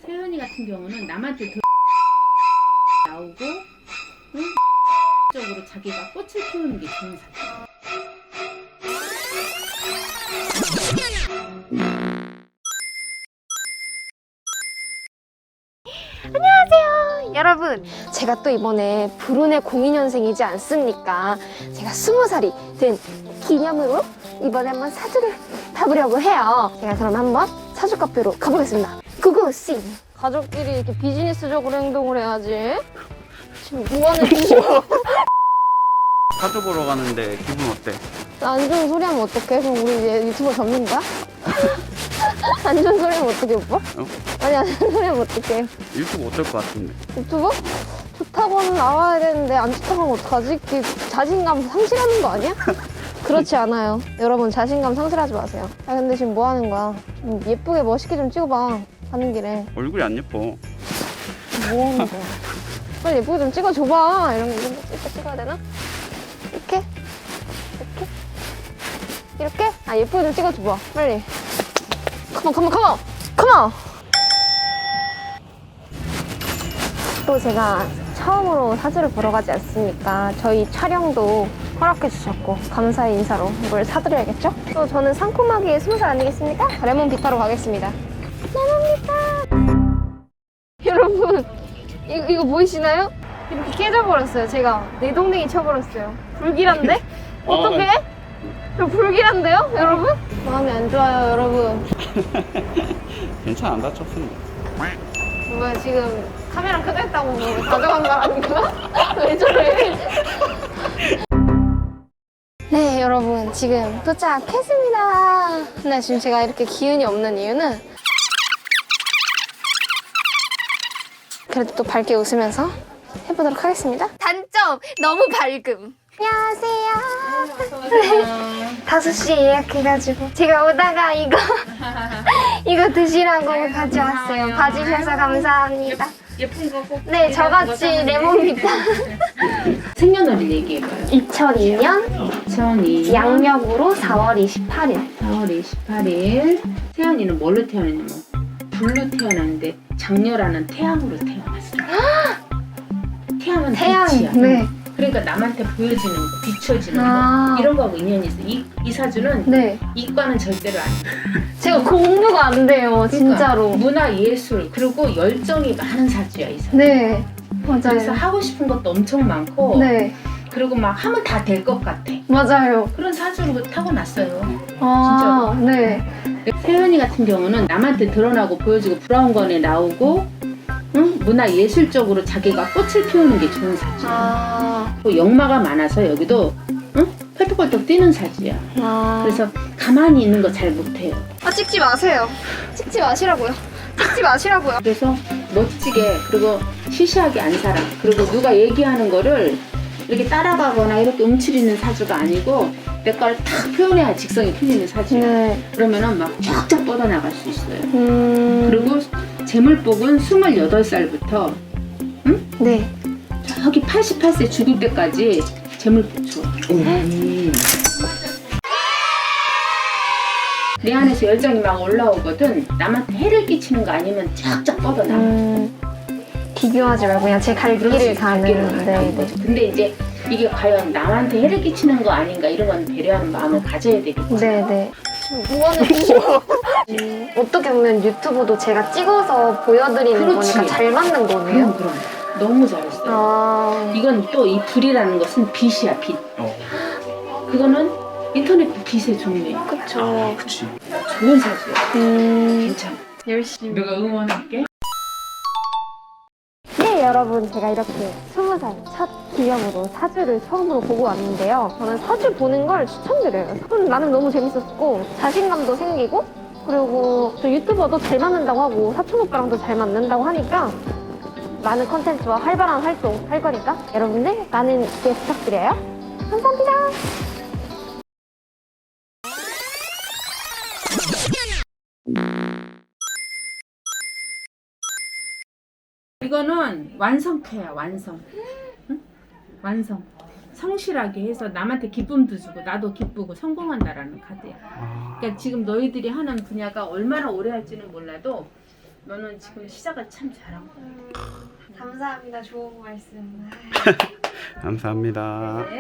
태연이 같은 경우는 남한테 나오고 적으로 자기가 꽃을 피우는 게 좋은 사람. 안녕하세요 여러분, 제가 또 이번에 불운의 02년생이지 않습니까? 제가 20살이 된 기념으로 이번에 한번 사주를 봐보려고 해요. 제가 그럼 한번 사주 카페로 가보겠습니다. 고고씨! 가족끼리 이렇게 비즈니스적으로 행동을 해야지. 지금 뭐하는 짓이야? 사주 보러 가는데 기분 어때? 안 좋은 소리 하면 어떡해? 그럼 우리 이제 유튜버 접는 거야? 안 좋은 소리 하면 어떡해 오빠? 아니 안 좋은 소리 하면 어떡해? 유튜브 어떨 것 같은데? 유튜버? 좋다고는 나와야 되는데 안 좋다고 하면 어떡하지? 이게 자신감 상실하는 거 아니야? 그렇지 않아요. 여러분 자신감 상실하지 마세요. 아 근데 지금 뭐 하는 거야? 좀 예쁘게 멋있게 좀 찍어봐. 가는 길에. 얼굴이 안 예뻐. 뭐 하는 거야? 빨리 예쁘게 좀 찍어줘봐. 이런 거 이렇게 찍어야 되나? 이렇게? 이렇게? 이렇게? 아 예쁘게 좀 찍어줘봐. 빨리. 컴온. 또 제가 처음으로 사주를 보러 가지 않습니까? 저희 촬영도 허락해 주셨고 감사의 인사로 뭘 사드려야겠죠? 또 저는 상콤하게 20살 아니겠습니까? 레몬 비타로 가겠습니다. 레몬 비타! 여러분 이거 보이시나요? 이렇게 깨져버렸어요. 제가 내 동댕이 쳐버렸어요. 불길한데? 어떡해? 저 불길한데요 여러분? 마음이 안 좋아요 여러분. 괜찮아, 안 다쳤습니다. 뭐야 지금 카메라 켜졌다고 뭐 가져간 거 아닌가? 왜 저래? 네 여러분 지금 도착했습니다. 근데 지금 제가 이렇게 기운이 없는 이유는 그래도 또 밝게 웃으면서 해보도록 하겠습니다. 단점 너무 밝음. 안녕하세요. 5시에 예약해가지고 제가 오다가 이거 드시라고 가져왔어요. 봐주셔서 감사합니다. 예쁜 거 꼭. 네, 저같이 레몬비타. 생년월일 얘기해봐요. 2002년 2002년 양력으로 4월 28일. 4월 28일. 태연이는 뭘로 태어났냐면 불로 태어났는데 장녀라는 태양으로 태어났어요. 태양은 빛이야. 네. 그러니까 남한테 보여지는 거, 비춰지는 아. 거 이런 거하고 인연이 있어. 이 사주는 네. 이과는 절대로 안 돼. 제가 공부가 안 돼요, 진짜로. 그러니까 문화 예술 그리고 열정이 많은 사주야 이 사주. 네. 그래서 맞아요. 하고 싶은 것도 엄청 많고 네. 그리고 막 하면 다 될 것 같아. 맞아요. 그런 사주로 타고났어요. 아, 네. 태연이 같은 경우는 남한테 드러나고 보여지고 브라운관에 나오고 문화 예술적으로 자기가 꽃을 피우는 게 좋은 사주야. 아. 또 역마가 많아서 여기도 펄떡펄떡 뛰는 사주야. 아. 그래서 가만히 있는 거 잘 못해요. 아, 찍지 마세요. 찍지 마시라고요. 찍지 마시라고요. 그래서 멋지게 그리고 시시하게 안 살아. 그리고 누가 얘기하는 거를 이렇게 따라가거나 이렇게 움츠리는 사주가 아니고 내 걸 탁 표현해야 직성이 풀리는 사주야. 네. 그러면은 막 쫙쫙 뻗어나갈 수 있어요. 그리고 그리고 재물복은 28살부터 네. 저기 88세 죽을 때까지 재물복 줘. 내 안에서 열정이 막 올라오거든. 남한테 해를 끼치는 거 아니면 쫙쫙 뻗어나가. 비교하지 말고 그냥 제 갈 길을 가는. 네. 근데 이제 이게 과연 남한테 해를 끼치는 거 아닌가 이런 건 배려하는 마음을 가져야 되겠지. 네네. 뭐하는 짓이야? 어떻게 보면 유튜브도 제가 찍어서 보여드리는 그렇지. 거니까 잘 맞는 거네요? 그럼 너무 잘했어요. 아. 이건 또 이 불이라는 것은 빛이야 빛. 그거는 인터넷 빛의 종류야. 그쵸. 그치. 좋은 사주야. 괜찮아. 열심히. 내가 응원할게. 네 여러분, 제가 이렇게 20살 첫 기념으로 사주를 처음으로 보고 왔는데요. 저는 사주 보는 걸 추천드려요. 나는 너무 재밌었고 자신감도 생기고, 그리고 저 유튜버도 잘 맞는다고 하고 사촌 오빠랑도 잘 맞는다고 하니까 많은 컨텐츠와 활발한 활동 할 거니까 여러분들 많은 기대 부탁드려요. 감사합니다. 이거는 완성태야 완성. 응? 완성. 성실하게 해서 남한테 기쁨도 주고 나도 기쁘고 성공한다라는 카드야. 그러니까 지금 너희들이 하는 분야가 얼마나 오래 할지는 몰라도 너는 지금 시작을 참 잘하고. 감사합니다. 좋은 말씀. 감사합니다.